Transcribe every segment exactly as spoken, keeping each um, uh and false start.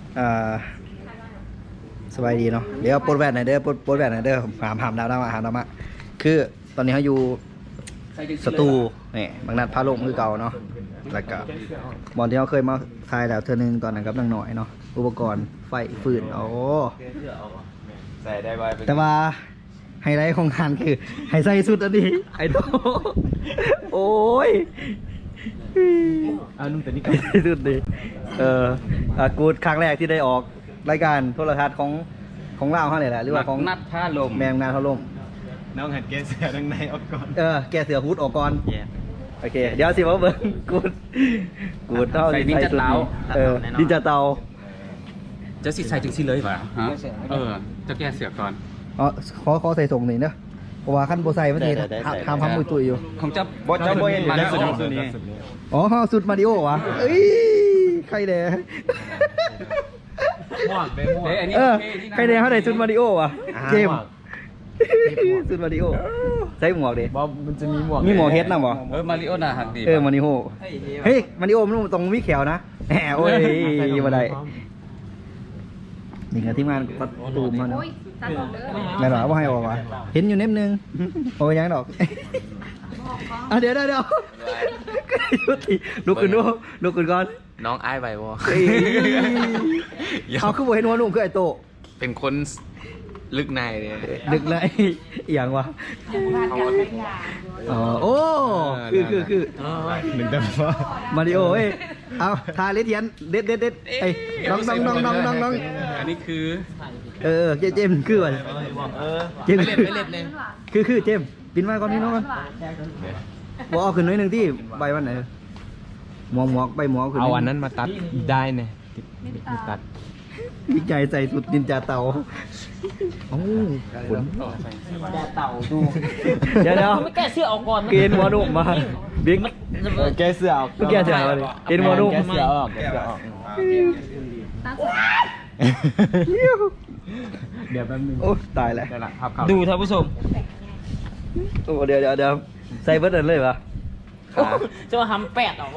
อ่าสบายดีเนาะเดี๋ยวปลดแวนหน่อยเด้อปลดปลดแวนหน่อยเด้อหามหามดาวดาวหามดาวมาคือตอนนี้เขาอยู่สตูนี่บางนัดพาลงคือเก่าเนาะแล้วก็บอลที่เขาเคยมาทายแล้วเธอหนึงตอนนั้นกับนางหน่อยเนาะอุปกรณ์ไฟฟืนโอ้ใส่ได้ไวแต่ว่าไฮไลท์ของงานคือไฮไซสุดอันนี้ไอ้โตโอ้ยอ่านุ่มแต่นี่ก็สุดดีเอออ่ะกูดครั้งแรกที่ได้ออกรายการโทรทัศน์ของของเราเขาเลยแหละหรือว่าของนัดท่าลมแมงนานเขาลมน้องหันแกเสือดังในออกก่อนเออแกเสือฮูดออกก่อนโอเคเดี๋ยวสิว่าเบิ้งกูดกูดเท่าดินจะเตาเออดินจะเตาจะสิใส่ถึงสิเลยป่ะฮะเออจะแกเสือก่อนอ๋อขอขอใส่ส่งหน่อยเนอะเพราะว่าขั้นโบไซมันทีทำทำมือตุยอยู่ของจะบอสจะโบเห็นมาแล้วสุดนี้อ๋อสุดมาริโอวะเอ้ยใครเด้ม่วงไปม่วงเออใครเด้เขาได้สุดมาริโอวะเจมสุดมาริโอใส่หมวกดิบอมันจะมีหมวกมีหมวกเฮดนะบ่เออมาริโอน่าหักดีเออมาริโอเฮ้ยมาริโอมันตรงมีแขวนะแหมโอ้ยมาได้นี่ไงที่งานประตูมันไม่หรอว่าให้ออกวะเห็นอยู่เน็บนึงโอ้ยยังดอกอ่ะเดี๋ยวเดี๋ยวเดี๋ยวลุกขึ้นดูลุกขึ้นก่อนน้องไอ้ใบวอเอาขึ้นบนเห็นหัวนุ่มคือไอโตเป็นคนลึกในเลยลึกในอย่างวะอ๋อโอ้คือคือคือหนึ่งแต่ว่ามาริโอเอ้ยเอาทาเลเทียนเด็ดเด็ดเด็ดไอ้น้องน้องน้องน้องน้องน้องอันนี้คือเออเจเจมคืออะไรเจมเล็ดไม่เล็ดเลยคือคือเจมปินมาก่อนนี่น้องบอกเอาขึ้นน้อยหนึ่งที่ใบวันไหนหมวกหมวกใบหมวกขึ้นเอาอันนั้นมาตัดได้เนี่ยตัดวิจัยใส่สุดดินจ่าเต่าโอ้ขนจ่าเต่าดูเดี๋ยวเดี๋ยวไม่แก้เสื้อออกก่อนเกณฑ์หัวนุ่มมาบิ๊กแกเสื้อออกเมื่อกี้เสื้ออะไรเกณฑ์หัวนุ่มแกเสื้อออกแกเสื้อออกเดี๋ยวแป๊บนึงโอ้ตายแล้วดูท่านผู้ชมโอ้เดี๋ยวเดี๋ยวเดี๋ยวใส่เบิร์ดเลยปะจะมาทำแปดออก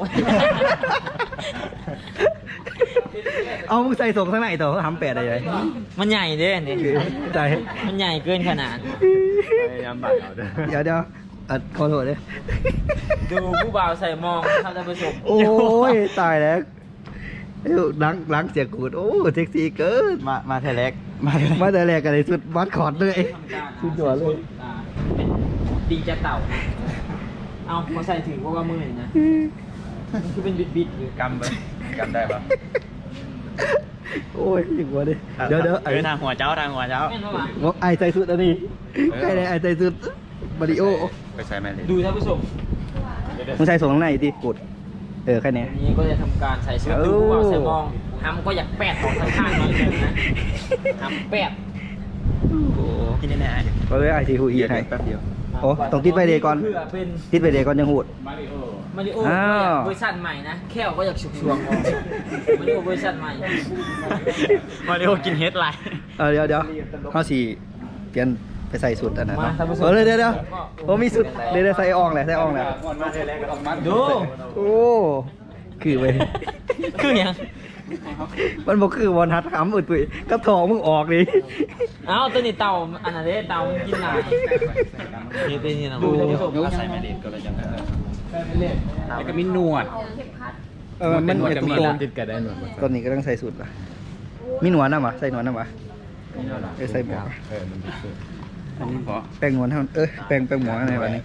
เอามึงใส่ส่งข้างในต่อทำแปดอะไรมันใหญ่เด้เนี่ยใจมันใหญ่เกินขนาดยามบัดเอาเด้อเดี๋ยวเดี๋ยวอัดขอโทษเลยดูผู้บ่าวใส่มองท่านผู้ชมโอ้ยตายแล้วล้างล้างเสียกูดโอ้เซ็กซี่เกินมามาแทแรกมามาแต่แรกกันเลยสุดมัดคอร์ดเลยสุดยอดเลยดีจะเต่าเอามาใส่ถึงเพราะว่ามือเห็นนะมันคือเป็นบิดบิดอยู่กำไปกำได้ปะโอ้ยถึงวะดิเดี๋ยวเดี๋ยวไอ้ทางหัวเจ้าทางหัวเจ้าไอ้ใจสุดอันนี้ใครเลยไอ้ใจสุดมาริโอไปใส่แม่เลยดูท่านผู้ชมมึงใส่ส่งข้างในดิกดเออแค่นี้นี้ก็จะทำการใส่เสื้อดูว่าใส่มองทำก็อยากแปดของข้างๆหน่อยนึงนะทำแปดโอ้กินได้ไหมก็เลยไอซีฮูอีให้แป๊บเดียวโอ้ต้องติดไปเดย์ก่อนติดไปเดย์ก่อนยังหูดมาริโอมาริโอเวอร์ชันใหม่นะแค่ก็อยากฉุกชวงมาริโอเวอร์ชันใหม่มาริโอกินเฮดไลน์เออเดี๋ยวเดี๋ยวข้อสี่เปลี่ยนไปใส่สุดอันนั้นเออเดี๋ยวเดี๋ยวโอ้มีสุดเดี๋ยวใส่อ่องแหละใส่อ่องแหละดูโอ้คือไปคือยังมันบอกคือบอลทัดขำอุดปุ๋ยกับทองมึงออกดิเอ้าตัวนี้เต่าอันนั้นเด้เต่ากินหลายนี่เป็นยังไงดูใส่แม่เด็ดก็เลยจังแล้วก็มีหนวดเออมันเหมือนตัวติดกันได้หนวดตอนนี้ก็ต้องใส่สุดละมีหนวดนะวะใส่หนวดนะวะเออใส่หมวกเออมันติดสุดอันนี้แป้งหนวดเท่าเออแป้งแป้งหมวกอะไรวะนี่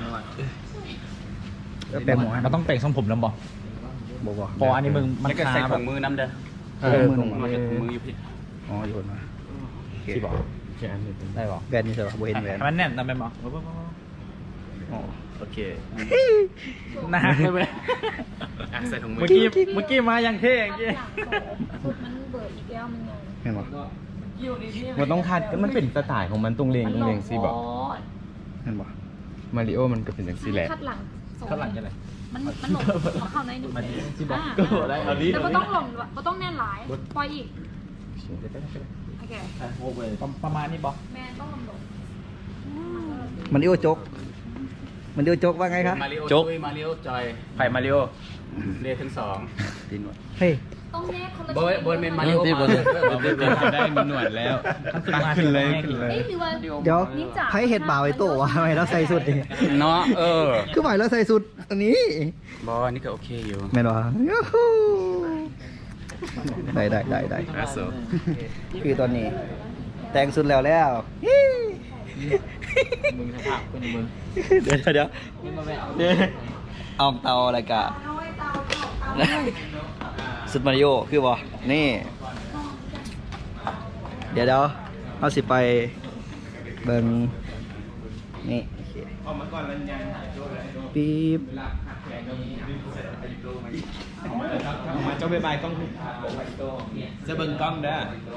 แป้งหมวกมันต้องแป้งทรงผมแล้วบอกบอกว่าพออันนี้มึงมันใส่ถุงมือน้ำเด้อเออมือถุงมืออยู่พี่อ๋อโยนมาที่บอกได้บอกแบรนด์นี้ใช่ป่ะโบเห็นแบรนด์มันแน่นทำไมบอกอ๋อโอเคนะใส่ถุงมือเมื่อกี้เมื่อกี้มาอย่างเท่อย่างกี้มันเบิดอีกแล้วมันยังเห็นป่ะมันต้องทัดมันเป็นสไตล์ของมันตรงเลงตรงเลงซีบอกเห็นป่ะมาริโอมันก็เป็นอย่างซีแหละคัดหลังคัดหลังยังไงมันมันหลงของเข้าในหนึ่งซีบอกก็ได้แต่ก็ต้องหลงก็ต้องแน่นหลายปล่อยอีกโอเคประมาณนี้บอกแม่ต้องหลงมันดิโอโจ๊กมันดิโอโจ๊กว่าไงครับโจ๊กมาริโอจอยไผ่มาริโอเรียกทั้งสองเฮ้ยต้องแยกคนละเบิร์ดเบิร์ดเมนมาริโอที่มาบนจะได้มีหนวดแล้วขึ้นเลยขึ้นเลยเอ้ยหรือว่าเดี๋ยวไพ่เห็ดบ่าวไอ้โตวะทำไมเราใส่สุดดิเนาะเออคือหมายเราใส่สุดอันนี้บอนี่ก็โอเคอยู่แม่นวะยูฮูได้ได้ได้ได้อาสูคือตอนนี้ แต่งสุดแล้วแล้วมึงสภาพเป็นมึงเดี๋ยวเดี๋ยวนี่มาแบบเดี๋ยวเอาเตาอะไรกะสุดมาริโอคือบ่นี่ เดี๋ยวเดี๋ยวเอาสิไปเบิ่งนี่โอเคปี๊บมาเจ้าใบใบกล้องจะเบิ่งกล้องเด้อ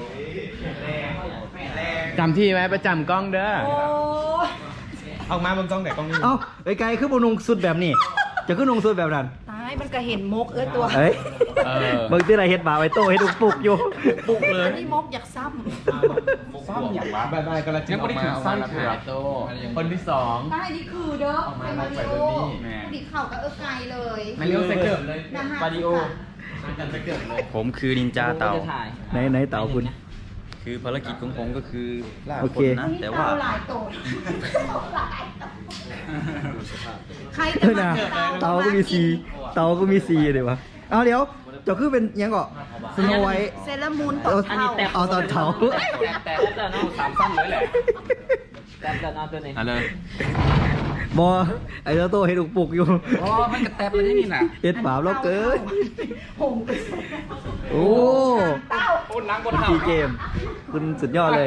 จำที่ไว้ประจำกล้องเด้อออกมาเบิ่งกล้องไหนกล้องนี้เอ้าไอ้ไกลคือบ่นุ่งสุดแบบนี้ จะขึ้นนุ่งสุดแบบนั้นตายมันก็เห็นมกเออตัวเฮ้ยเออเบิ่งที่ไรเฮ็ดบ่าวไอ้โตเฮ็ดลูกปุกอยู่ปุกเลยอันนี้มกอยากซ้ซ่อมอย่างวะใบใบกำลังจะออกมาเอามาขาโตคนที่สองำได้นี่คือเด้อเป็นมาริโอดิเข่ากับเออไกลเลยมาเลี้ยวใส่เกือบเลยนะฮะมาริโอผมคือนินจาเต่าจะถ่ายไหนไหนเต่าคุณคือภารกิจของผมก็คือล่าโอคเคนนะนี่แต่ว่าเต่าหลายโตนหลายโตนใครเอจะอมานะกินเต่าก็มีซีเต่าก็มีซีเลยวะเอาเดี๋ยวเจะคือเป็นยังก่อสโนไวท์เซรามูนตเอากเท่าเอาตอนเช้าแต่แต่น้องสามสั้นเลยแหละแต่แต่น้องตัวนี้เอาเลยบอไอ้เจ้าโตเฮ็ดลูกปุกอยู่อ๋อมันกระแตบเลยนี่น่ะเฮ็ดบาปแล้วเกินหงไปโอ้เต้าโอ้ล้างบนเท้าพี่เกม คุณสุดยอดเลย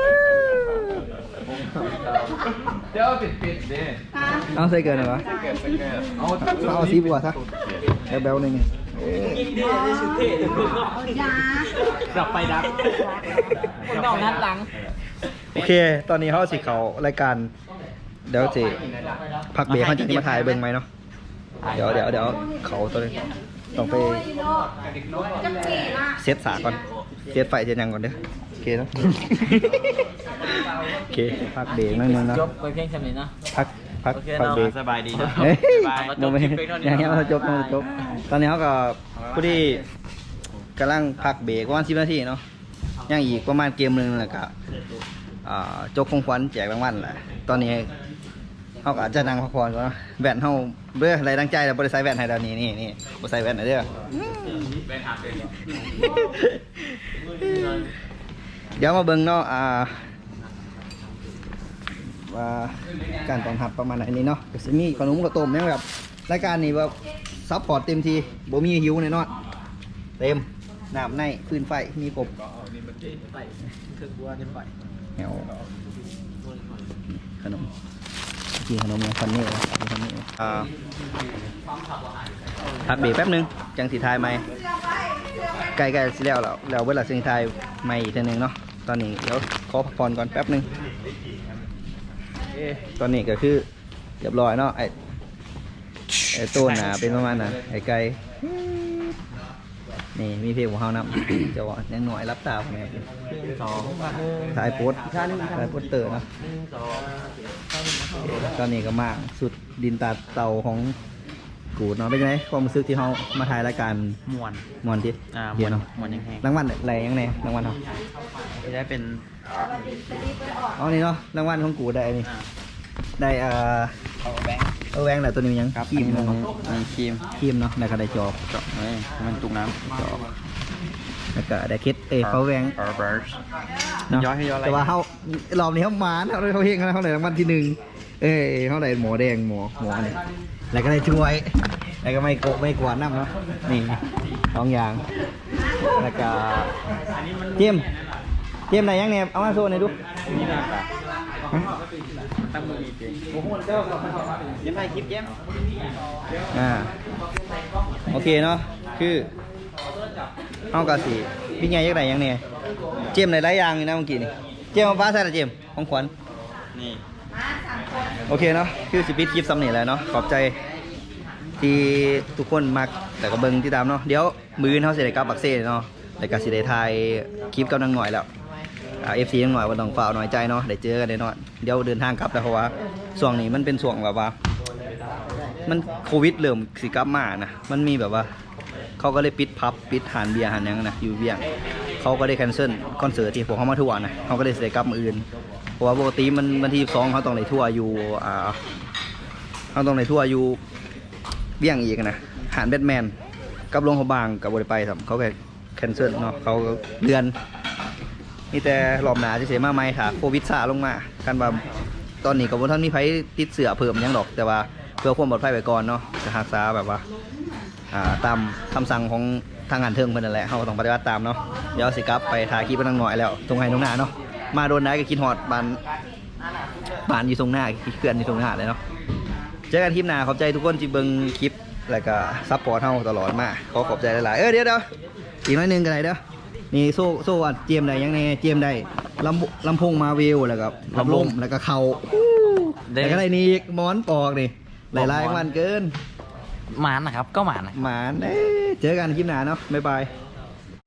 เดี๋ยวปิดปิดดิฮะเอาใส่เกินเหรอวะเกิดสักเกิดเอาเอาซีบัวซะแบลๆหนึ่งยิงเท่เลยสุดเท่ถึงมึงเนาะยาดับไปดับคนนอกนัดหลังโอเค ตอนนี้เขาสิเขารายการ เดี๋ยวสิพักเบรกเขาจะมาถ่ายเบิ่งไหมเนาะ เดี๋ยวเดี๋ยวเดี๋ยวเขาตัวนี้ต้องไปจังกี่ล่ะเซตสาก่อน เซตไฟเซตยังก่อนเด้อโอเคเนาะ โอเค พักเบรกนั่นนึงเนาะจบไปเพียงแค่นี้เนาะพัก พักโอเคพักเนาะเบรกสบายดีจ้ะเฮ้ยบายโมเมนต์อย่างเงี้ยเราจบเราจบ ตอนนี้เขาก็ผู้ที่กำลังพักเบรกประมาณสิบนาทีเนาะยังอีกประมาณเกมหนึ่งแหละก็อ่าจกของขวัญแจกรางวัลแหละ ตอนนี้เขาก็อาจจะนั่งพักผ่อนก่อนเนาะแว่นเขาเบื่ออะไรตั้งใจแล้วบริษัทแว่นให้เดี๋ยวนี้นี่นี่บริษัทแว่นไหนเด้อเดี๋ยวมาเบิ่งเนาะอ่าว่าการตอนหับประมาณไหนนี่เนาะก็จะมีขนมกับต้มเนี่ยแบบรายการนี้แบบซัพพอร์ตเต็มทีบ่มีหิวแน่นอนเต็มน้ำในฟืนไฟมีครบไปคือบัวจะไปแนวขนมกินขนมเนี่ยฟันนี่ฟันนี่อ่าพักเบรกแป๊บนึงจังสีทายไหมใกล้ๆสิแล้วแล้วแล้วเวลาสิทายใหม่อีกทีหนึงเนาะตอนนี้เดี๋ยวขอพักผ่อนก่อนแป๊บนึงเอ๊ะตอนนี้ก็คือเรียบร้อยเนาะไอ้ไอ้ต้นน่ะเป็นประมาณน่ะไอ้ไก่นี่มีเพลงของเขานำ จะว่ายังหน่อยรับตาผมเนี่ยสองถ่ายโพสต์ถ่ายโพสเตอร์เนาะตอนนี้ก็มากสุดดินตาเตาของกูดเนาะเป็นไงความรู้สึกที่เขามาถ่ายรายการมวนมวนที่อ่ามเดีวยวน เนาะมวนยังแห้งรางวัลอะไรยังไงรางวัลเขาจะได้เป็นเอานี่เนาะรางวัลของกูได้นี่อ่าได้เอ่อเออแวงแหละตัวนี้ยังครับครีมอันเนาะนี้มีครีมครีมเนาะแล้วก็ได้จอบเจาะเฮ้ยมันตุกน้ำจอบแล้วก็ได้เคสเอยเขาแวงเออเบิร์ชเนาะย้อยให้ย้อยอะไรแต่ว่าเขารอบนี้เขามาเขาเขาเฮงเขาได้รางวัลที่หนึ่งเอ้ยเขาได้หมอแดงหมอหมอนี่แล้วก็ได้ช่วยแล้วก็ไม่โกะไม่กวาดน้ำเนาะนี่สองอย่างแล้วก็เจมส์เจมส์ไหนยังเนี่ยเอามาโซ่หน่อยดูตั้งมือมีเพียงยังไงคลิปแย้มอ่าโอเคเนาะคือเอากระสีพี่ใหญ่ยังไงยังเนี่ยเจมส์ไหนหลายอย่างอยู่นะเมื่อกี้นี่เจมส์มาฟ้าใส่ละเจมส์ของขวัญนี่โอเคเนาะคือสิปิดคลิปซ้ำนี่แหละเนาะขอบใจที่ทุกคนมักแต่ก็เบิ่งที่ตามเนาะเดี๋ยวมือเขาเสร็จกับบักเซ่เนาะแต่ก็สิได้ถ่ายคลิปกับนางหน่อยแล้วอ่าเอฟซีนางหน่อยว่าต้องฝ่าหน่อยใจเนาะได้เจอกันแน่นอนเดี๋ยวเดินทางกลับแล้วเพราะว่าช่วงนี้มันเป็นช่วงแบบว่า มันโควิดเริ่มสิกลับมานะมันมีแบบว่าเขาก็เลยปิดพับปิดหานเบียร์หานหยังนะอยู่เวียงเขาก็ได้แคนเซิลคอนเสิร์ตที่พวกเขามาทัวร์นะเขาก็ได้เสียกลับมืออื่นเพราะว่าปกติมันวันที่สองเขาต้องเลยทัวร์อยู่อ่าเขาต้องเลยทัวร์อยู่เวียงอีกนะหานแบทแมนกับหลวงเขาบางกับบริไปครับเขาก็แคนเซิลเนาะเขาเดือนนี่แต่รอบหนาจะเสียมาไหมค่ะโควิดซาลงมากันว่าตอนนี้กับบนท่านมีไผติดเสือเพิ่มยังดอกแต่ว่าเพื่อความปลอดภัยไว้ก่อนเนาะจะรักษาแบบว่าอ่าตามคำสั่งของทางงานเทิงเพิ่นนั่นแหละเขาก็ต้องปฏิบัติตามเนาะเดี๋ยวสิกลับไปถ่ายคลิปกันหน่อยแล้วตรงไห้ตรงหน้าเนาะมาโดนได้ก็คิดฮอดบานบานอยู่ตรงหน้าเขื่อนอยู่ตรงหน้าเลยเนาะเจอกันคลิปหน้าขอบใจทุกคนที่เบิ่งคลิปแล้วก็ซัพพอร์ตเฮาตลอดมาขอขอบใจหลายๆเออเดี๋ยวเดี๋ยวอีกหน่อยหนึงกันไหนเด้อนี่โซ่โซ่อัดเจมได้ยังไงเจมได้ลำลำโพงมาวิวแล้วก็ลำลมแล้วก็เข่าแล้วก็ได้นี่อีกหมอนปอกนี่หลายๆวันเกินหมานนะครับก็หมานนะหมานเอ้ยเจอกันคลิปหน้าเนาะบ๊ายบาย